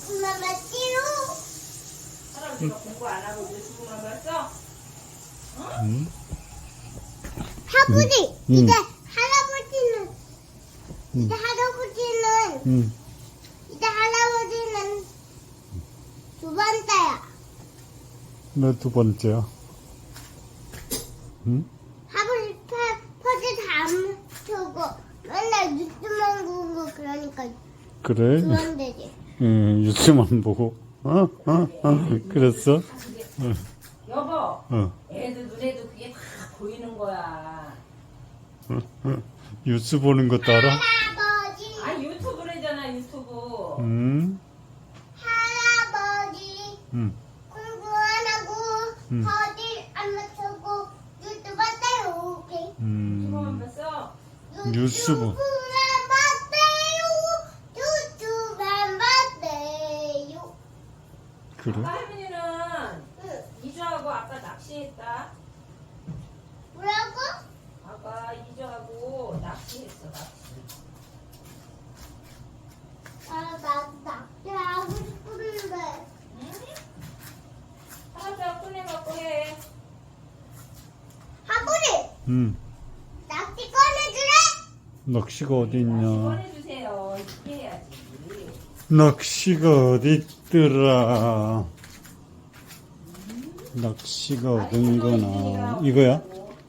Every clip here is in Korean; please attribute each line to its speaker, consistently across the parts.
Speaker 1: 유튜브만 봤지요?
Speaker 2: 할아버지가 공부 안 하고 유튜브만 봤어?
Speaker 3: 응?
Speaker 1: 할아버지,
Speaker 3: 응.
Speaker 1: 이제 할아버지는, 이제 할아버지는,
Speaker 3: 응.
Speaker 1: 이제 할아버지는 두 번째야.
Speaker 3: 너 두 번째야. 응?
Speaker 1: 할아버지 퍼즐 다 안 펴고 맨날 유튜브만 보고 그러니까
Speaker 3: 그래?
Speaker 1: 두 번째지.
Speaker 3: 응, 뉴스만 보고. 그랬어?
Speaker 2: 여보, 애들 눈에도 그게 다 보이는 거야.
Speaker 3: 뉴스 보는 것도 알아?
Speaker 1: 할아버지,
Speaker 2: 아, 유튜브래잖아, 유튜브.
Speaker 3: 응?
Speaker 1: 할아버지
Speaker 3: 응.
Speaker 1: 공부 안 하고
Speaker 3: 응.
Speaker 1: 퍼즐 안 맞추고 유튜브 봤대요. 오케이.
Speaker 2: 유튜브만
Speaker 3: 음.
Speaker 2: 봤어?
Speaker 3: 유튜브.
Speaker 1: 유튜브만 봤대요. 유튜브만 봤대요.
Speaker 3: 그래?
Speaker 2: 아까 할머니는
Speaker 1: 응.
Speaker 2: 이주하고 아까 낚시했다.
Speaker 1: 뭐라고?
Speaker 2: 아까 이주하고 낚시했어, 낚시.
Speaker 1: 나 낚시하고 싶은데.
Speaker 2: 응? 할아버지가 꺼내갖고 해.
Speaker 1: 할아버지,
Speaker 3: 응.
Speaker 1: 낚시 꺼내주래?
Speaker 3: 낚시가 어디
Speaker 2: 낚시
Speaker 3: 있냐?
Speaker 2: 꺼내주세요. 이렇게 해야지.
Speaker 3: 낚시가 어디 있더라? 낚시가 어딘 거나. 이거야?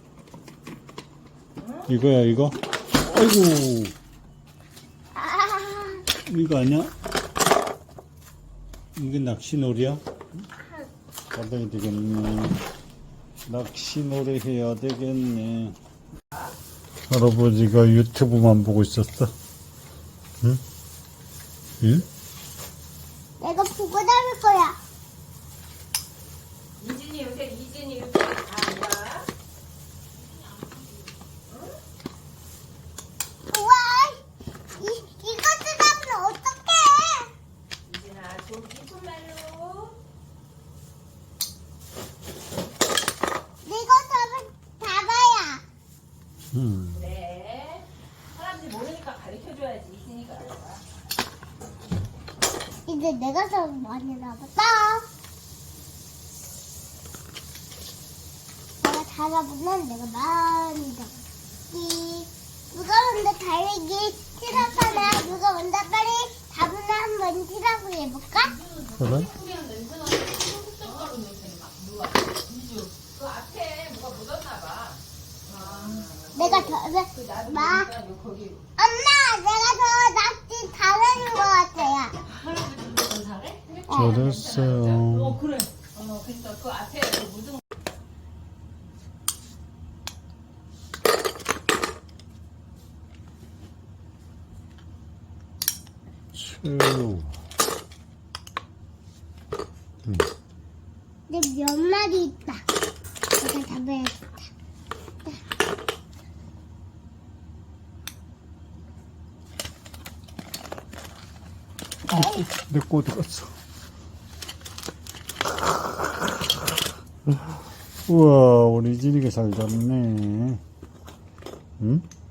Speaker 3: 이거야, 이거? 아이고,
Speaker 1: 아,
Speaker 3: 이거 아니야? 이게 낚시놀이야? 받아야 되겠네. 낚시놀이 해야 되겠네. 할아버지가 유튜브만 보고 있었어. 응? 응?
Speaker 1: 내가 보고 다닐 거야.
Speaker 2: 이진이 요새 다 알아?
Speaker 1: 우와, 이거 쓰다면 어떡해?
Speaker 2: 이진아, 좀 깊은 말로.
Speaker 1: 이거 쓰면 다가야.
Speaker 2: 그래. 할아버지 모르니까 가르쳐줘야지. 이진이가 알아.
Speaker 1: 이제 내가 더 많이 남았다. 내가 달아보면 내가 많이 남았지. 누가 먼저 달리기 시작하나? 누가 먼저 빨리 답을 한번 시작을 해볼까?
Speaker 3: 그래?
Speaker 2: 그 앞에 뭐가 묻었나 봐.
Speaker 1: 내가 더,
Speaker 2: 나도
Speaker 1: 마,
Speaker 2: 보니까 거기.
Speaker 1: 엄마, 내가 더 낚시 잘하는 것 같아요.
Speaker 2: 할아버지 잘해?
Speaker 3: 잘했어요.
Speaker 2: 그래. 그러니까 그 앞에 그 묻은
Speaker 3: 츄.
Speaker 1: 내 몇 마리 있다. 내가 잡아야겠다.
Speaker 3: 내 거 어디 갔어? 우와, 우리 진이가 잘 잡네. 응?